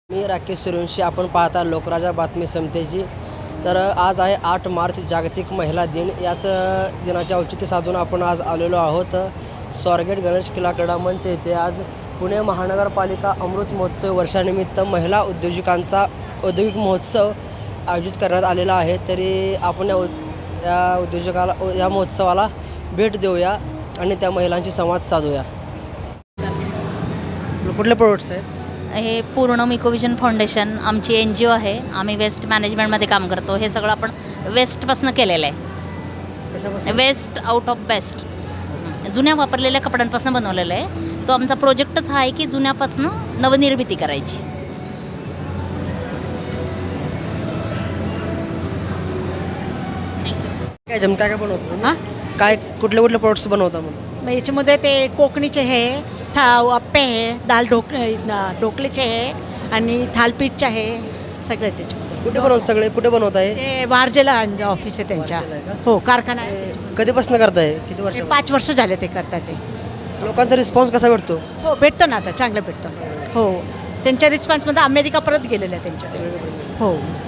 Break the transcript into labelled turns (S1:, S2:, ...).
S1: मी राकेश सूर्यवंशी. आपण पाहता लोकराजा बातमी समतेची. तर आज आहे 8 मार्च जागतिक महिला दिन. याच दिनाचे औचित्य साधून आपण आज आलेलो आहोत स्वारगेट गणेश किल्ला क्रीडा मंच येथे. आज पुणे महानगरपालिका अमृत महोत्सव वर्षानिमित्त महिला उद्योजकांचा औद्योगिक महोत्सव आयोजित करण्यात आलेला आहे. तरी आपण या महोत्सवाला भेट देऊया आणि त्या महिलांशी संवाद साधूया. कुठले प्रोडक्ट्स आहेत?
S2: हे पूर्ण मिकोविजन फाउंडेशन आमची NGO आहे. आम्ही वेस्ट मॅनेजमेंटमध्ये काम करतो. हे सगळं आपण वेस्टपासून केलेलं आहे.
S1: कशापासून?
S2: वेस्ट आउट ऑफ बेस्ट, जुन्या वापरलेल्या कपड्यांपासून बनवलेलं आहे. तो आमचा प्रोजेक्टच हा आहे की जुन्यापासून नवनिर्मिती करायची.
S1: काय काय बनवतो? काय कुठले कुठले प्रोडक्ट्स बनवता म्हणून?
S3: मग याच्यामध्ये ते कोकणीचे आहे, अप्पे आहे, ढोकळेचे आहे आणि थालपीठचे आहे, सगळे त्याच्यामध्ये.
S1: कुठे बनवत सगळे कुठे बनवत आहे?
S3: ते वारजेला ऑफिस आहे त्यांच्या.
S1: वारजेला आहे का?
S3: हो, कारखाना आहे.
S1: कधीपासून करताय? किती वर्ष?
S3: 5 वर्ष झाले ते करतात ते.
S1: लोकांचा रिस्पॉन्स कसा भेटतो?
S3: हो, भेटतो ना, आता चांगलं भेटतं. हो, त्यांच्या रिस्पॉन्समध्ये अमेरिका परत गेलेलं आहे त्यांच्या ते. हो.